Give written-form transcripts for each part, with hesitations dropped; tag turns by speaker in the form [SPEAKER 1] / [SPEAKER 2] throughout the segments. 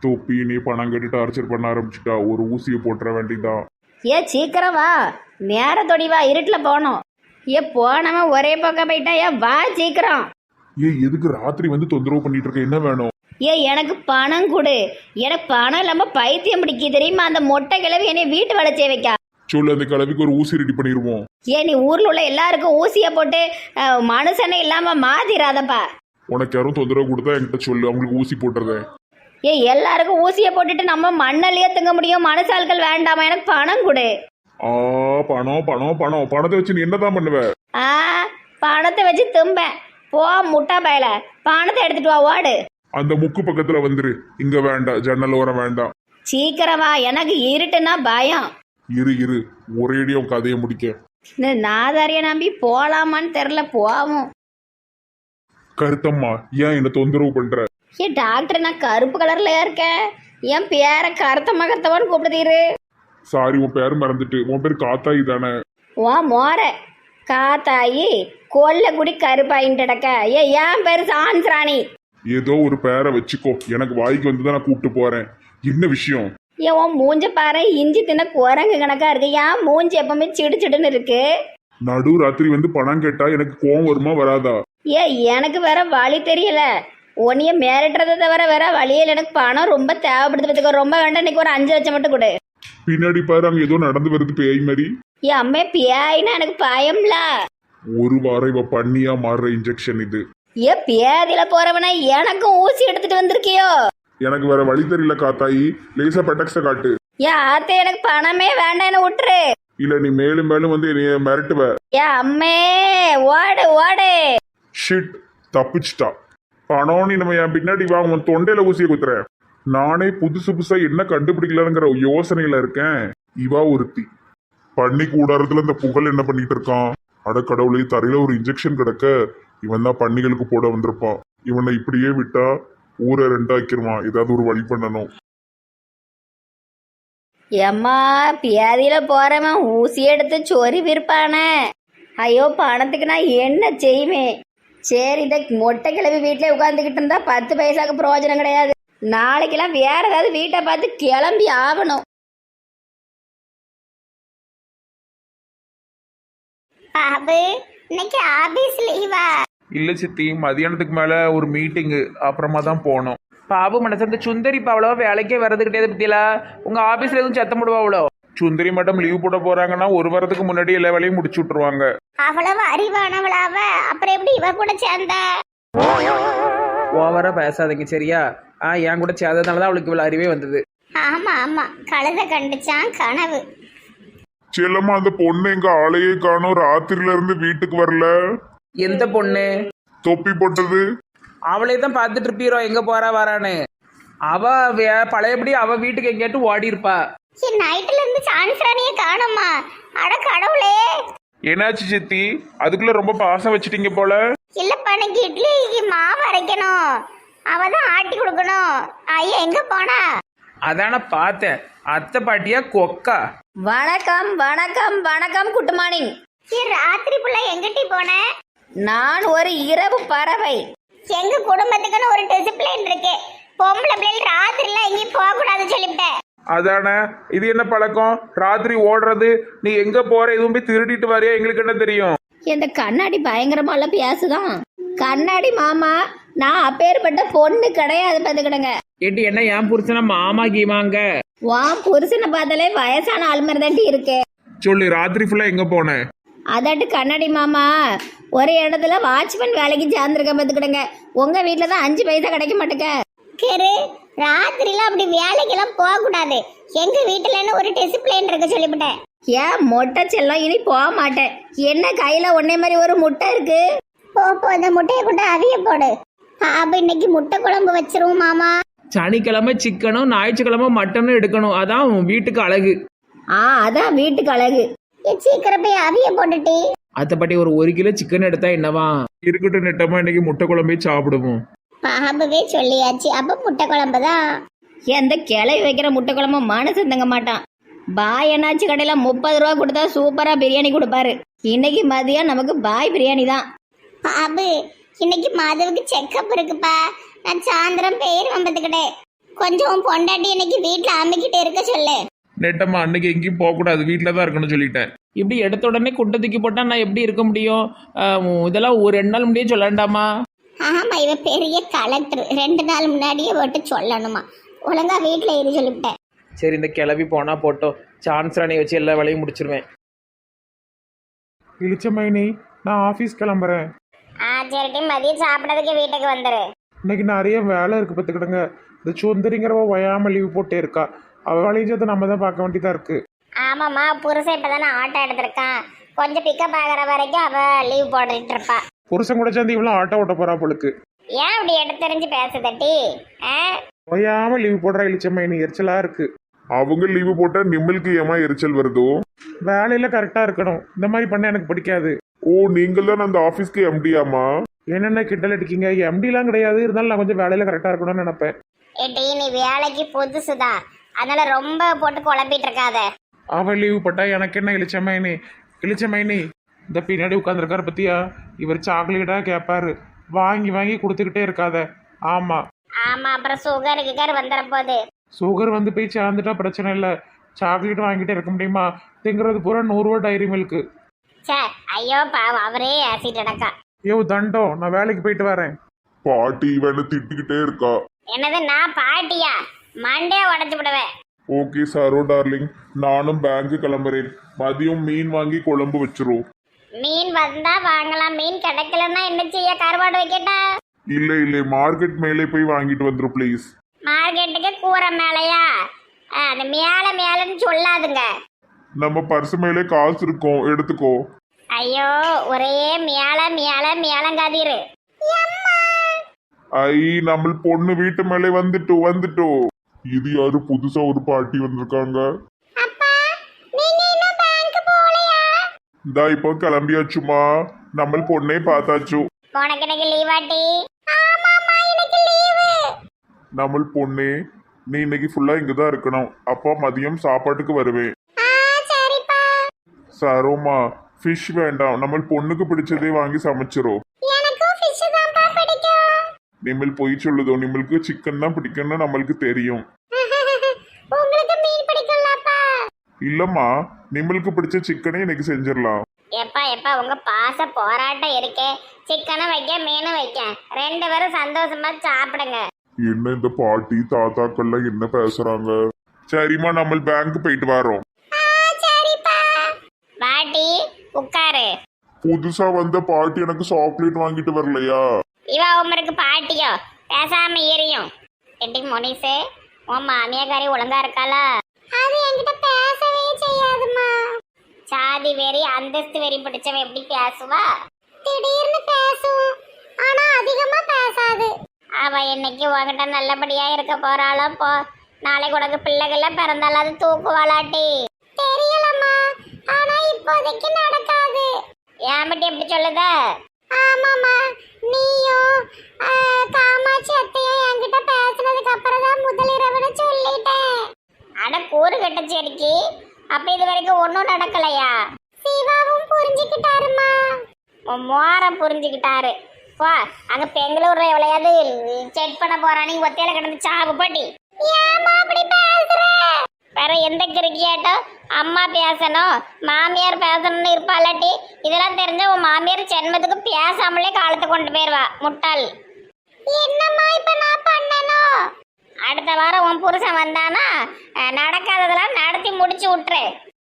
[SPEAKER 1] தொப்பி நீ பணம் கட்டி டார்ச்சர் பண்ண ஆரம்பிச்சுட்டா. ஒரு ஊசியை போட்டுற வேண்டியதான்.
[SPEAKER 2] சீக்கிரம் வா, நேரத்தோடி வா, இருட்டில் போகணும். போனவன் ஒரே பக்கம் போயிட்டா. வா சீக்கிரம்.
[SPEAKER 1] எதுக்கு ராத்திரி வந்து தொந்தரவு பண்ணிட்டு இருக்க? என்ன வேணும்?
[SPEAKER 2] எனக்கு பணம் கொடு. எனக்கு பணம் இல்லாம பைத்தியம் பிடிக்க தெரியுமா? அந்த மொட்டை கிழவி என்னை வீட்டு வேலை செய்ய வைக்கா.
[SPEAKER 1] சொல்லு, அந்த கிழவிக்கு ஒரு ஊசி ரெடி பண்ணிடுவோம்.
[SPEAKER 2] நீ ஊர்ல உள்ள எல்லாருக்கும் ஊசிய போட்டு மனுஷனே இல்லாம மாத்திராதப்பா.
[SPEAKER 1] உனக்கு யாரும் தொந்தரவு கொடுத்தா என்கிட்ட சொல்லு, அவங்களுக்கு ஊசி போட்டுறேன்.
[SPEAKER 2] எல்லாருக்கும் ஊசிய போட்டுட்டு நம்ம மண்ணலையே தங்க முடியும். மனுஷால்கள் வேண்டாமா? எனக்கு பணம் கொடு.
[SPEAKER 1] பணம் பணம் பணம். பணத்தை வச்சு நீ என்னதான் பண்ணுவ?
[SPEAKER 2] பணத்தை வச்சு தும்பேன். போ முட்டா பயல, பணத்தை எடுத்துட்டு வா, ஓடு.
[SPEAKER 1] அந்த முக்கு பக்கத்துல வந்துரு. இங்க வேண்டாம், ஜன்னல் ஓரம் வேண்டாம்.
[SPEAKER 2] சீக்கிரமா, எனக்கு இருட்டுன்னா பயம்.
[SPEAKER 1] இரு ஒரேடியும் கதையை முடிக்க.
[SPEAKER 2] நாதாரிய நம்பி போலாமான்னு தெரியல. போவோம்.
[SPEAKER 1] கருத்தம்மா, ஏன் என்ன தொந்தரவு பண்ற?
[SPEAKER 2] டாக்டர், நான் கருப்பு கலர்ல இருக்கேன். என் பேரை கருத்தம்மா கருத்தமான்னு கூப்பிடுதீரு.
[SPEAKER 1] சாரி, உன் பேர் மறந்துட்டு. உன் பேர் காத்தாயி தானே?
[SPEAKER 2] மோர காத்தாயி கொல்லக்குடி கருப்பாயின்டக்க. என் பேரு சான்ஸ்ராணி.
[SPEAKER 1] ஏதோ ஒரு பேரை வச்சுக்கோ, எனக்கு வாய்க்கு வந்துதான் நான் கூப்பிட்டு போறேன். என்ன விஷயம்?
[SPEAKER 2] உன் மூஞ்ச பாரு, இஞ்சி தின்ன குரங்கு கணக்கா இருக்கு. ஏன் மூஞ்சி எப்பவுமே சிடு சிடுன்னு இருக்கு?
[SPEAKER 1] நடு ராத்திரி வந்து பணம் கேட்டா எனக்கு கோவம் வருமா வராதா?
[SPEAKER 2] எனக்கு வேற வழி தெரியல. உன்னைய மிரட்டுறதை தவிர வேற வழியில். எனக்கு பணம் ரொம்ப தேவைப்படுது. ரொம்ப வேண்டாம், இன்னைக்கு ஒரு 5 லட்சம் மட்டும் கொடு.
[SPEAKER 1] பின்னாடி பாரு, அங்க ஏதோ நடந்து வருது பேய் மாதிரி.
[SPEAKER 2] அம்மே, பேய்னா எனக்கு பயம்ல.
[SPEAKER 1] ஒரு வாரம் இவ பண்ணியா மாறுற இன்ஜெக்ஷன் இது.
[SPEAKER 2] பேதியில போறவனா எனக்கும் ஊசி எடுத்துட்டு வந்திருக்கியோ?
[SPEAKER 1] எனக்கு வேற வழி தெரியல காத்தாயி, லேசா பெட்டக்ஸ காட்டு.
[SPEAKER 2] ஆத்தே, எனக்கு பணமே வேண்டாம், என்ன விட்டுரு.
[SPEAKER 1] இல்ல நீ மேலும் மேலும் வந்து என்னைய மிரட்டுவ.
[SPEAKER 2] அம்மே, ஓடு ஓடு.
[SPEAKER 1] ஷிட், தப்பிச்சிட்டா. பணம் நீ நம்ம என் பின்னாடி வா, உன் தொண்டையில ஊசியை குத்துறேன். நானே புதுசு புதுசா என்ன கண்டுபிடிக்கலாங்கிற யோசனையில இருக்கேன். இவா ஒருத்தி. பண்ணி கூடாரத்துல இந்த புகழ் என்ன பண்ணிட்டு இருக்கான்? அடக்கடவுளே, தரையில ஒரு இன்ஜெக்ஷன் கிடக்க இவன் தான் பண்ணிகளுக்கு போட வந்திருப்பான். இவனை இப்படியே விட்டா ஊரை ரெண்டாக்கிருவான். ஏதாவது ஒரு வழி பண்ணணும்.
[SPEAKER 2] ஏம்மா, பேதியில போறவன் ஊசி எடுத்து சொறி விற்பானே. ஐயோ, பணத்துக்கு நான் என்ன செய்வேன்? சரி, இந்த மொட்டை கிளவி வீட்டிலே உட்காந்துக்கிட்டு இருந்தா 10 பைசாக்கு பிரயோஜனம் கிடையாது. நாளைக்கெல்லாம் வேற ஏதாவது வீட்டை பார்த்து கிளம்பி ஆகணும்.
[SPEAKER 3] பாபு, இன்னைக்கு ஆபீஸ் லீவா?
[SPEAKER 4] இல்ல சித்தி, மதியானத்துக்கு மேல ஒரு மீட்டிங்கு, அப்புறமா தான் போனோம். பாபு மனசு, அந்த சுந்தரி இப்போ அவ்வளோ வேலைக்கே வரது கிடையாது பத்தியில. உங்க ஆபீஸ்ல எதுவும் சத்தம் போடுவா? அவ்வளோ
[SPEAKER 1] சுந்தரி மேடம் லீவ் போட போறாங்கன்னா ஒரு வாரத்துக்கு முன்னாடி எல்லா வேலையும் முடிச்சு விட்டுருவாங்க.
[SPEAKER 3] அவ்வளவு அறிவானவளாவ, அப்புறம் எப்படி இவ கூட சேர்ந்தா?
[SPEAKER 4] ஓவரா பேசாதீங்க சரியா? என் கூட சேர்ந்ததுனாலதான் அவளுக்கு இவ்வளவு அறிவே வந்தது.
[SPEAKER 3] ஆமா ஆமா, கழுத கண்டுச்சான் கனவு.
[SPEAKER 1] செல்லம்மா, அந்த பொண்ணு எங்க ஆளையே காணோம். ராத்திரில இருந்து வீட்டுக்கு வரல.
[SPEAKER 4] எந்த பொண்ணு?
[SPEAKER 1] தொப்பி போட்டது.
[SPEAKER 4] அவளே தான் பார்த்துட்டு இருப்பீரோ எங்க போறா வரான்னு. அவ பழையபடி அவ வீட்டுக்கு எங்கேயாட்டு ஓடி இருப்பா.
[SPEAKER 3] நைட்ல இருந்து சான்ஸ்ராணிய காணுமா? அட கடவுளே!
[SPEAKER 1] என்னாச்சு சித்தி? அதுக்குள்ள ரொம்ப பாசம் வச்சிட்டீங்க போல.
[SPEAKER 3] இல்லப்பா, எனக்கு இட்லிக்கு மாவு அரைக்கணும். அவதான் ஆட்டி கொடுக்கணும். ஐயா எங்க போனா?
[SPEAKER 4] அதான பார்த்தேன். அத்தை பாட்டியா கொக்கா?
[SPEAKER 2] வணக்கம் வணக்கம் வணக்கம். Good morning.
[SPEAKER 3] ராத்திரி புள்ள எங்கிட்டி போன?
[SPEAKER 2] நான் ஒரு இரவு பறவை.
[SPEAKER 3] எங்க குடும்பத்துக்குன்னு ஒரு டிசிப்ளின் இருக்கு. பொம்பளை பிள்ளைகள் ராத்திரில எங்கேயும் போக கூடாதுன்னு சொல்லிவிட்டேன்.
[SPEAKER 1] அதானே, இது என்ன பழக்கம்? ராத்திரி ஓடுறது. நீ எங்க போற? எதுவும் போய் திருடிட்டு வரையா? எங்களுக்கு என்ன தெரியும்?
[SPEAKER 2] இந்த கண்ணாடி பயங்கரமால பேசுதான். கண்ணாடி மாமா, நான் அப்பேற்பட்ட பொண்ணு கிடையாது. பார்த்துக்கிடுங்க.
[SPEAKER 4] ஏட்டி, என்ன என் புருஷனா மாமா கீமாங்க?
[SPEAKER 2] வா, புருஷனை பார்த்தாலே வயசான ஆள் மாதிரி தாண்டி இருக்கு.
[SPEAKER 1] சொல்லு, ராத்திரி ஃபுல்லா எங்க போன?
[SPEAKER 2] அதாட்டு கண்ணாடி மாமா, ஒரு இடத்துல வாட்ச்மேன் வேலைக்கு சேர்ந்துருக்க. பார்த்துக்கிடுங்க. உங்க வீட்டுல தான் 5 பைசா கிடைக்க மாட்டேங்க.
[SPEAKER 3] ராத்திரில அப்படி வேலைக்கெல்லாம் போக கூடாது. எங்க வீட்டுலன்னு ஒரு டிசிப்ளின் இருக்கு சொல்லிவிட்டேன்.
[SPEAKER 2] ஏன் மொட்டை செல்லம், இனி போக மாட்டேன். என்ன கையில ஒன்னே மாதிரி ஒரு முட்டை இருக்கு.
[SPEAKER 3] போ, இந்த முட்டையை கொண்டு அவிய போடு. பாபு, இன்னைக்கு முட்டை குழம்பு வச்சிருவோம் மாமா.
[SPEAKER 4] சனிக்கிழமை சிக்கனும் ஞாயிற்றுக்கிழமை மட்டனும் எடுக்கணும். அதான் வீட்டுக்கு அழகு.
[SPEAKER 2] அதான் வீட்டுக்கு அழகு.
[SPEAKER 3] சீக்கிரம் போய் அவிய போட்டுட்டி.
[SPEAKER 4] அத்தை பாட்டி, ஒரு 1 கிலோ சிக்கன் எடுத்தா என்னவா?
[SPEAKER 1] இருக்கட்டும் நெட்டமா, இன்னைக்கு முட்டை குழம்பே சாப்பிடுவோம்.
[SPEAKER 3] பாபுவே சொல்லியாச்சு, அப்ப முட்டை குழம்பு தான்.
[SPEAKER 2] எந்த கிளவி வைக்கிற முட்டை குழம்பு மனசு தங்க மாட்டான். பாய் என்னாச்சு கடையில 30 ரூபா கொடுத்தா சூப்பரா பிரியாணி கொடுப்பாரு. இன்னைக்கு மதியம் நமக்கு பாய் பிரியாணி தான்.
[SPEAKER 3] பாபு, இன்னைக்கு மாதவுக்கு செக்கப் இருக்குப்பா. நான் சாயந்தரம் பேர் வம்பத்துக்கிட்டே. கொஞ்சம் பொண்டாட்டி இன்னைக்கு வீட்டுல அம்மிக்கிட்டு இருக்க சொல்லு.
[SPEAKER 4] நெட்டம்மா அன்னைக்கு எங்கேயும் போகக்கூடாது, வீட்டில் தான் இருக்கணும்னு சொல்லிட்டேன். இப்படி எடுத்த உடனே குட்டை தூக்கி போட்டால் நான் எப்படி இருக்க முடியும்? இதெல்லாம் ஒரு 2 நாள் முடியே சொல்ல வேண்டாமா?
[SPEAKER 3] ஆமா, இவ பெரிய கலெக்டர், 2 நாள் முன்னாடியே போட்டு சொல்லணுமா. ஒழுங்கா வீட்டுல இரு சொல்லிவிட்டேன்.
[SPEAKER 4] சரி, இந்த கிளவி போனால் போட்டோம், சான்ஸ் ராணி வச்சு எல்லா வேலையும் முடிச்சிருவேன். இளிச்சமைனி, நான் ஆஃபீஸ் கிளம்புறேன்.
[SPEAKER 3] சரிட்டி, மதியம் சாப்பிடறதுக்கு வீட்டுக்கு வந்துரு.
[SPEAKER 4] இன்னைக்கு நிறைய வேலை இருக்குது பார்த்துக்கிடுங்க. இந்த சுந்தரிங்கிறவ ஒயாமல் லீவ் போட்டே இருக்கா. அவள் வேலையும் சேர்த்து நம்ம தான் பார்க்க வேண்டியதாக இருக்குது.
[SPEAKER 3] ஆமாம்மா, புருஷன் இப்பதானே ஆட்டோ எடுத்திருக்கான். கொஞ்சம் பிக்கப் ஆகிற வரைக்கும் அவ லீவ் போட்டுட்டு இருப்பா.
[SPEAKER 4] புருஷன் கூட சேர்ந்து இவ்வளோ ஆட்டோ ஓட்ட போகிறா பொழுக்கு.
[SPEAKER 3] ஏன் அப்படி எடுத்தெறிஞ்சு பேசுதட்டி?
[SPEAKER 4] ஒயாமல் லீவ் போடுறா இளிச்சமைனி, எரிச்சலாக இருக்குது.
[SPEAKER 1] அவங்க லீவு போட்டா நிம்மலுக்கு ஏமா எரிச்சல் வருதோ?
[SPEAKER 4] வேலையில் கரெக்டாக இருக்கணும், இந்த மாதிரி பண்ண எனக்கு பிடிக்காது.
[SPEAKER 1] ஓ, நீங்கள் தான் அந்த ஆபீஸ்க்கு எம்டியாமா?
[SPEAKER 4] என்னென்ன கிண்டல் அடிக்கீங்க? எம்டிலாம் கிடையாது, இருந்தாலும் நான் கொஞ்சம் வேலையில் கரெக்டாக இருக்கணும்னு நினைப்பேன்.
[SPEAKER 3] ஏட்டி, நீ வேலைக்கு புதுசுதான், அதனால ரொம்ப போட்டு குழப்பிட்டு இருக்காத.
[SPEAKER 4] அவள் லீவு போட்டா எனக்கு என்ன இளிச்சமைனி? இளிச்சமைனி, இந்த பின்னாடி உட்காந்துருக்காரு பத்தியா, இவர் சாக்லேட்டாக கேட்பாரு, வாங்கி வாங்கி கொடுத்துக்கிட்டே இருக்காத. ஆமாம்
[SPEAKER 3] ஆமா, அப்புறம் சுகர் வந்துட போகுது.
[SPEAKER 4] சுகர் வந்து போய் சேர்ந்துட்டா பிரச்சனை இல்லை, சாக்லேட் வாங்கிட்டே இருக்க முடியுமா? திங்கிறது பூரா 100 ரூபா டைரி மில்க்கு.
[SPEAKER 3] சே, ஐயோ பாவம், அவரே ஆசிட் அடக்கா.
[SPEAKER 4] ஐயோ தண்டம், நான் வேலைக்கு போயிட்டு வரேன்.
[SPEAKER 1] பாட்டி இவனை திட்டிக்கிட்டே இருக்கா.
[SPEAKER 3] என்னது, நான் பாட்டியா? மண்டே உடச்சு விடுவேன்.
[SPEAKER 1] ஓகே சாரோ டார்லிங், நானும் பேங்க் கிளம்புறேன். மதியம் மீன் வாங்கி குழம்பு வச்சிரும்.
[SPEAKER 3] மீன் வந்தா வாங்கலாம், மீன் கிடைக்கலன்னா என்ன செய்ய? கருவாடு வைக்கட்டா?
[SPEAKER 1] இல்லை மார்க்கெட் மேலே போய் வாங்கிட்டு வந்துரும் ப்ளீஸ்.
[SPEAKER 3] மார்க்கெட்டுக்கு கூரை மேலையா? அந்த மேலன்னு சொல்லாதுங்க.
[SPEAKER 1] நம்ம பர்ஸ் மேலே காசு இருக்கும், எடுத்துக்கோ.
[SPEAKER 3] ஐயோ, ஒரே மேலங்காதீரு.
[SPEAKER 1] ஐ, நம்ம பொண்ணு வீட்டு மேலே வந்துட்டோ. இது யாரு புதுசா ஒரு பாட்டி வந்திருக்காங்க? இந்தா இப்போ கிளம்பியாச்சுமா, நம்ம பொண்ணே பார்த்தாச்சு.
[SPEAKER 3] உனக்கு இன்னைக்கு லீவாட்டி?
[SPEAKER 1] நம்ம பொண்ணே, நீ இன்னைக்கு ஃபுல்லா இங்கதான் இருக்கணும். அப்பா மதியம் சாப்பாட்டுக்கு வருவேன். சரோமா, ஃபிஷ் வேண்டாம், நம்ம பொண்ணுக்கு பிடிச்சதே வாங்கி சமைச்சிரும். நிம்மல் போய் சொல்லுதோ, நிம்மளுக்கு சிக்கன் தான் பிடிக்கும்னு நம்மளுக்கு தெரியும். இல்லம்மா, நிம்மளுக்கு பிடிச்ச சிக்கனே இன்னைக்கு செஞ்சிடலாம்.
[SPEAKER 3] எப்பா உங்க பாச போராட்டம் இருக்கே. சிக்கனும் வைக்க, மீனும் வைக்க, 2 பேரும் சந்தோஷமா சாப்பிடுங்க.
[SPEAKER 1] என்ன இந்த பாட்டி தாத்தாக்கள்லாம் என்ன பேசுறாங்க? சரிம்மா, நம்ம பேங்க் போயிட்டு வரோம்.
[SPEAKER 3] பாட்டி உட்காரு.
[SPEAKER 1] புதுசா வந்த பாட்டி எனக்கு சாக்லேட் வாங்கிட்டு வரலையா?
[SPEAKER 3] இவ உமருக்கு பாட்டியோ? பேசாம எரியும். எட்டி மொனிசே, உன் மாமியாக்காரி ஒழுங்கா இருக்காளா? அது என்கிட்ட பேசவே செய்யாதுமா. சாதி வெறி அந்தஸ்து வெறி பிடிச்சவ எப்படி பேசுவா? திடீர்னு பேசும், ஆனா அதிகமா பேசாது. அவ என்னைக்கு உன்கிட்ட நல்லபடியா இருக்க போறாளோ போ. நாளைக்கு உனக்கு பிள்ளைகள பிறந்தாலும் அது தூக்குவாளாட்டி? தெரியலம்மா, ஆனா இப்போதைக்கு நடக்காது. ஏன் பட்டி எப்படி சொல்லுத? ஆமாம்மா, நீயும் காமாட்சி அத்தையும் என்கிட்ட பேசினதுக்கு அப்புறம் தான் முதலிரவுன்னு சொல்லிட்டேன். அட கூறு கட்டச்சேரிக்கு, அப்ப இது வரைக்கும் ஒன்றும் நடக்கலையா? சிவாவும் புரிஞ்சுக்கிட்டாருமா. மோர புரிஞ்சுக்கிட்டாரு. போ, அங்க பெங்களூர்ல எவ்வளையாவது செக் பண்ண போறானு ஒத்தையில கிடந்து சாவு போட்டி. ஏமா அப்படி பேசுற? வேற எந்த கிரிக்கியாட்டோ அம்மா பேசணும், மாமியார் பேசணும்னு இருப்பாளாட்டி? இதெல்லாம் தெரிஞ்ச உன் மாமியார் ஜென்மத்துக்கு பேசாமலே காலத்தை கொண்டு போயிருவா, முட்டாள். என்னம்மா இப்ப நான் பண்ணணும்? அடுத்த வாரம் உன் புருஷன் வந்தானா நடக்காததெல்லாம் நடத்தி முடிச்சு விட்டுரு.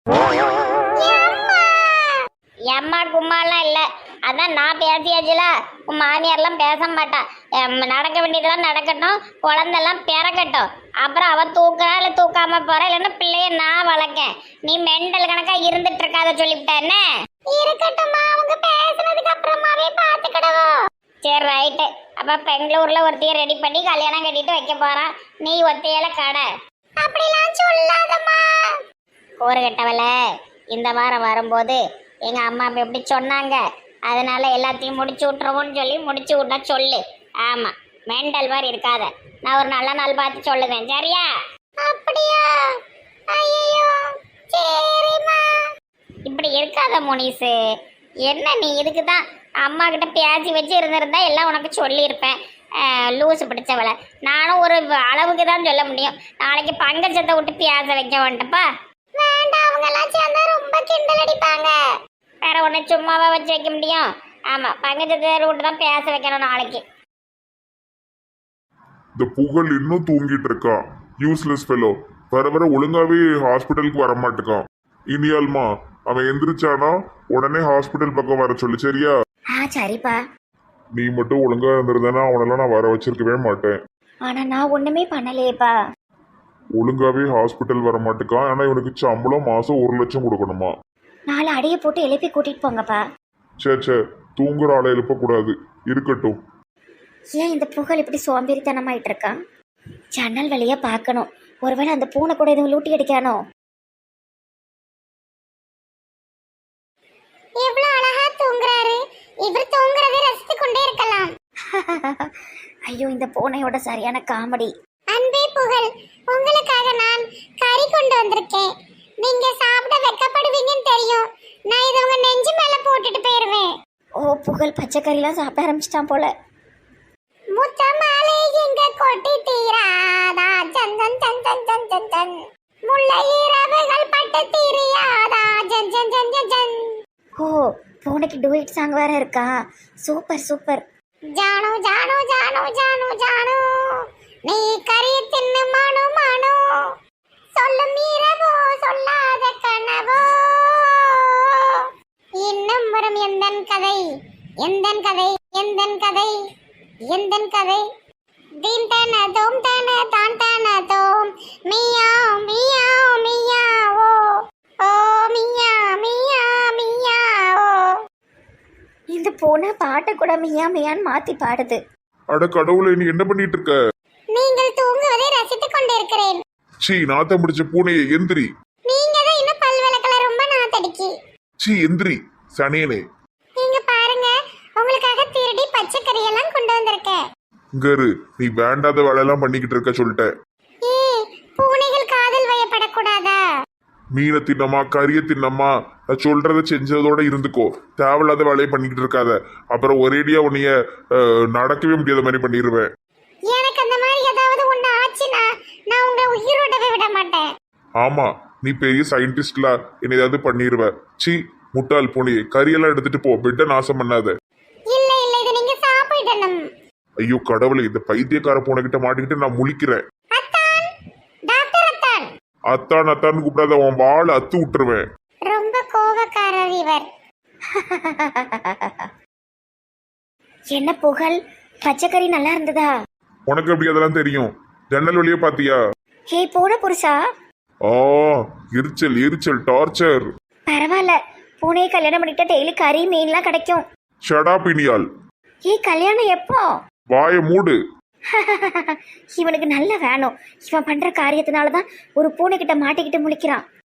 [SPEAKER 3] எம்மா கும்மாலாம் இல்லை, அதான் நான் பேசியாச்சுல. உன் மாமியார்லாம் பேச மாட்டா. நடக்க வேண்டியதெல்லாம் நடக்கட்டும், குழந்தெல்லாம் பிறக்கட்டும். அப்புறம் அவ தூக்குறா இல்லை தூக்காம போறா, இல்லைன்னா பிள்ளைய நான் வளர்க்கேன். நீ மெண்டல் கணக்கா இருந்துட்டு இருக்காத சொல்லிவிட்டேன்னு. இருக்கட்டும்மா, அவங்க பேசுனதுக்கு அப்புறமாவே பார்த்துக்கிடுவோம். சரி ரைட்டு. அப்ப பெங்களூர்ல ஒருத்தைய ரெடி பண்ணி கல்யாணம் கட்டிட்டு வைக்க போறான். நீ ஒத்தையில கடை. அப்படிலாம் சொல்லாதம்மா. ஒரு கட்டவல இந்த வாரம் வரும்போது எங்க அம்மா அப்பா எப்படி சொன்னாங்க, அதனால எல்லாத்தையும் முடிச்சு விட்டுருவோம்னு சொல்லி முடிச்சு விட்டா சொல்லு. ஆமா, மெண்டல் மாதிரி இருக்காத. நான் ஒரு நல்ல நாள் பார்த்து சொல்லுவேன், சரியா? அப்படியா? ஐயோ, சரிம்மா. இப்படி இருக்காத முனிசு. என்ன நீ இதுக்கு தான் அம்மா கிட்ட பேசி வச்சு இருந்திருந்தா எல்லாம் உனக்கு சொல்லியிருப்பேன். லூசு பிடிச்சவளை. நானும் ஒரு அளவுக்கு தான் சொல்ல முடியும். நாளைக்கு பங்கச்சத்தை விட்டு பேச வைக்க வேண்டப்பா. வேண்டாம், அவங்க எல்லாம் சேர்ந்தா ரொம்ப கிண்டல் அடிப்பாங்க. வேற ஒண்ணு சும்மாவா வச்சு வைக்க முடியும்? ஆமா, பங்கச்சத்தை விட்டு தான் பேச வைக்கணும் நாளைக்கு.
[SPEAKER 1] இந்த புகழ் இன்னும் தூங்கிட்டு இருக்கான். Useless fellow. வர வர ஒழுங்காவே ஹாஸ்பிட்டலுக்கு வர மாட்டேக்கான். இனியால்மா அவன் எந்திரிச்சானா உடனே ஹாஸ்பிட்டல் பக்கம் வர சொல்லு, சரியா?
[SPEAKER 2] சரிப்பா.
[SPEAKER 1] நீ மட்டும் ஒழுங்கா இருந்திருந்தானா அவனெல்லாம் நான் வர வச்சிருக்கவே மாட்டேன்.
[SPEAKER 2] ஆனா நான் ஒண்ணுமே பண்ணலையேப்பா.
[SPEAKER 1] ஒழுங்காவே ஹாஸ்பிட்டல் வர மாட்டேக்கான். ஆனா இவனுக்கு சம்பளம் மாசம் 1 லட்சம் கொடுக்கணுமா?
[SPEAKER 2] 4 அடியை போட்டு எழுப்பி கூட்டிட்டு போங்கப்பா.
[SPEAKER 1] சே தூங்குற ஆளை எழுப்பக்கூடாது. இருக்கட்டும்.
[SPEAKER 2] ஏன் இந்த புகழ் இப்படி சோம்பேறித்தனமாயிட்டு இருக்கான்? ஜன்னல் வழியா பார்க்கணும். ஒருவேளை அந்த பூனை கூட எதுவும் லூட்டி அடிக்கானோ?
[SPEAKER 3] எவ்வளவு அழகா தூங்குறாரு. இவர் தூங்குறதை ரசித்து கொண்டே இருக்கலாம்.
[SPEAKER 2] ஐயோ, இந்த பூனையோட சரியான காமெடி.
[SPEAKER 3] அன்பே புகழ், உங்களுக்காக நான் கறி கொண்டு வந்திருக்கேன். நீங்க சாப்பிட வெக்கப்படுவீங்கன்னு தெரியும். நான் இதை உங்க நெஞ்சு மேல போட்டுட்டு போயிருவேன்.
[SPEAKER 2] ஓ, புகழ் பச்சைக்கறிலாம் சாப்பிட ஆரம்பிச்சிட்டான் போல.
[SPEAKER 3] முத்த மாலை எங்க கொட்டி தீராதா, சந்தன் சந்தன் சந்தன் சந்தன். முல்லை இரவுகள் பட்டு தீரியாதா, ஜன் ஜன் ஜன் ஜன் ஜன்.
[SPEAKER 2] ஓ, பூனைக்கு டூயிட் சாங் வேற இருக்கா? Super super.
[SPEAKER 3] ஜானு ஜானு ஜானு ஜானு ஜானு, நீ கறி தின்னு மானு மானு. சொல்லும் இரவோ சொல்லாத கனவோ, இன்னும் வரும் எந்தன் கதை, எந்தன் கதை, எந்தன் கதை, எந்தன் கதை. தீம் தான தோம் தான தான் தான தோம், மியாவ் மியாவ் மியாவோ, ஓ மியா மியா மியாவோ.
[SPEAKER 2] இந்த பூனை பாட்டை கூட மியா மியான்னு மாத்தி பாடுது.
[SPEAKER 1] அட கடவுளே, நீ என்ன பண்ணிட்டு இருக்க?
[SPEAKER 3] நீங்கள் தூங்குவதை ரசித்துக் கொண்டிருக்கிறேன்.
[SPEAKER 1] சீ, நாத்தம் பிடிச்ச பூனையை எந்திரி.
[SPEAKER 3] நீங்க தான் இன்னும் பல் விளக்கல, ரொம்ப நாத்தடிக்கி.
[SPEAKER 1] சீ, எந்திரி சனியனே.
[SPEAKER 3] நீங்க பாருங்க, உங்களுக்காக திருடி பச்சைக்கறி எல்லாம் கொண்டு வந்திருக்கேன்.
[SPEAKER 1] இங்கரு, நீ வேண்டாத வேலையெல்லாம் பண்ணிக்கிட்டு இருக்க சொல்லிட்டேன்.
[SPEAKER 3] பூனைகள் காதல் வயப்படக்கூடாதா?
[SPEAKER 1] மீனை தின்னமா கறியை தின்னமா, நான் சொல்றத செஞ்சதோட இருந்துக்கோ. தேவையில்லாத வேலையை பண்ணிக்கிட்டு இருக்காத. அப்புறம் ஒரேடியா உன்னைய நடக்கவே முடியாத மாதிரி பண்ணிடுவேன்.
[SPEAKER 3] எனக்கு அந்த மாதிரி ஏதாவது ஒண்ணு ஆச்சுன்னா நான் உங்க உயிரோடவே விட மாட்டேன்.
[SPEAKER 1] ஆமா, நீ பெரிய சயின்டிஸ்ட்ல என்ன ஏதாவது பண்ணிடுவ. சீ, முட்டாள் பூனையை கறியெல்லாம் எடுத்துட்டு போ. பெட்டை நாசம் பண்ணாத.
[SPEAKER 3] இல்ல இல்ல, இது நீங்க சாப்பிடணும்.
[SPEAKER 1] ஐயோ கடவுளே, இந்த பைத்தியக்கார பூனை கிட்ட மாட்டிக்கிட்டு நான் முழிக்கிறேன்.
[SPEAKER 3] அத்தான், டாக்டர் அத்தான்.
[SPEAKER 1] அத்தான் அத்தான்னு கூப்பிடாத, உன் வாழை அத்து விட்டுருவேன்.
[SPEAKER 3] ரொம்ப கோபக்காரர் இவர்.
[SPEAKER 2] என்ன புகழ், பச்சைக்கறி நல்லா இருந்ததா?
[SPEAKER 1] உனக்கு எப்படி அதெல்லாம் தெரியும்? ஜன்னல் வழியே பாத்தியா?
[SPEAKER 2] ஹே பூனை புருஷா.
[SPEAKER 1] ஆ, எரிச்சல் எரிச்சல் டார்ச்சர்.
[SPEAKER 2] பரவாயில்ல, பூனையை கல்யாணம் பண்ணிக்கிட்ட டெய்லி கறி மீன்லாம் கிடைக்கும்.
[SPEAKER 1] ஷடா பினியால்.
[SPEAKER 2] கல்யாணம் எப்போ?
[SPEAKER 1] வாயை மூடு.
[SPEAKER 2] இவனுக்கு நல்ல வேணும். இவன் பண்ற காரியத்தினாலதான் ஒரு பூனை கிட்ட மாட்டிக்கிட்டு முழிக்கிறான்.